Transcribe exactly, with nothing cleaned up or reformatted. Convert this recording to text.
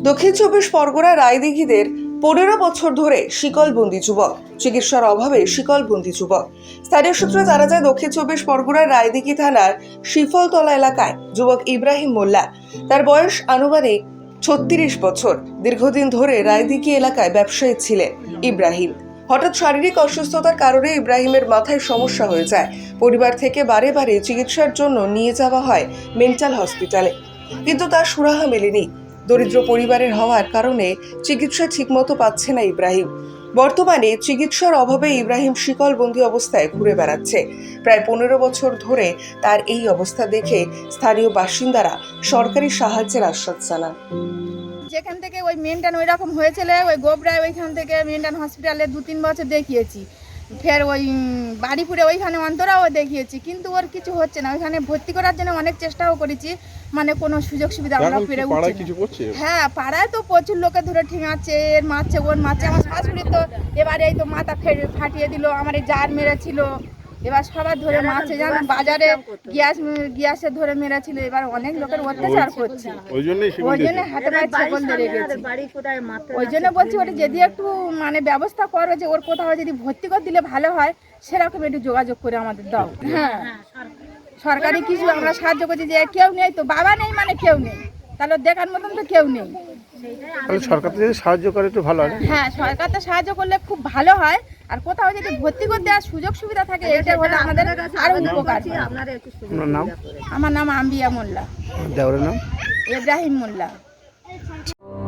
দক্ষিণ চব্বিশ পরগনা রায়দিঘিদের পনেরো বছর ধরে শিকলবন্দি যুবক, চিকিৎসার অভাবে শিকলবন্দি যুবক। স্থানীয় সূত্রে জানা যায়, দক্ষিণ চব্বিশ পরগনার রায়দিঘি থানার শিফলতলা এলাকায় যুবক ইব্রাহিম মোল্লা, তার বয়স আনুমানিক ছত্রিশ বছর। দীর্ঘদিন ধরে রায়দিঘি এলাকায় ব্যবসায়ী ছিলেন ইব্রাহিম। হঠাৎ শারীরিক অসুস্থতার কারণে ইব্রাহিমের মাথায় সমস্যা হয়ে যায়। পরিবার থেকে বারে বারে চিকিৎসার জন্য নিয়ে যাওয়া হয় মেন্টাল হসপিটালে, কিন্তু তার সুরাহা মেলেনি। দরিদ্র পরিবারের হওয়ার কারণে চিকিৎসা ঠিকমতো পাচ্ছে না ইব্রাহিম। বর্তমানে চিকিৎসার অভাবে ইব্রাহিম শিকলবন্দি অবস্থায় ঘুরে বেড়াচ্ছে। প্রায় পনেরো বছর ধরে তার এই অবস্থা দেখে স্থানীয় বাসিন্দারা সরকারি সাহায্যের আশ্বাস জানান। যেখান থেকে ওই মেনটান ওই রকম হয়েছিল, ওই গোবরায় ওইখান থেকে মেনটান হসপিটালে দু তিন বছর দেখিয়েছি, ফের ওই বাড়িপুরে ওইখানে অন্তরাও দেখিয়েছি, কিন্তু ওর কিছু হচ্ছে না। ওইখানে ভর্তি করার জন্য অনেক চেষ্টাও করেছি, মানে কোনো সুযোগ সুবিধা আমরা পেরে উঠছি না। হ্যাঁ, পাড়ায় তো প্রচুর লোকে ধরে ঠিঙাচ্ছে, এর মারছে, ওর মারছে। আমার শাশুড়ি তো এবারে এই তো মাথা ফাটিয়ে দিল, আমার এই জার মেরেছিল, এবার সবার ধরে মারছে। যেমন বাজারে গ্যাস গ্যাসে ধরে মেরেছিল, এবার অনেক লোকের অত্যাচার করছে। ওই জন্য হাতে পায়ে ছাগল ধরে গেছে। ওই জন্য বলছি, ওটা যদি একটু মানে ব্যবস্থা করো, যে ওর কোথাও যদি ভর্তি করে দিলে ভালো হয়, সেরকম একটু যোগাযোগ করে আমাদের দাও। হ্যাঁ, সরকারি কিছু আমরা সাহায্য করছি, যে কেউ নেই তো, বাবা নেই মানে কেউ নেই, তাহলে দেখার মতন তো কেউ নেই। সরকার যদি সাহায্য করে একটু ভালো হয়। হ্যাঁ, সরকার তো সাহায্য করলে খুব ভালো হয়, আর কোথাও যদি ভর্তি করতে দেওয়ার সুযোগ সুবিধা থাকে, এটা হলে আমাদের আরো উপকার। আপনার নাম? আমার নাম আম্বিয়া মোল্লা। দেওরের নাম? ইব্রাহিম মোল্লা।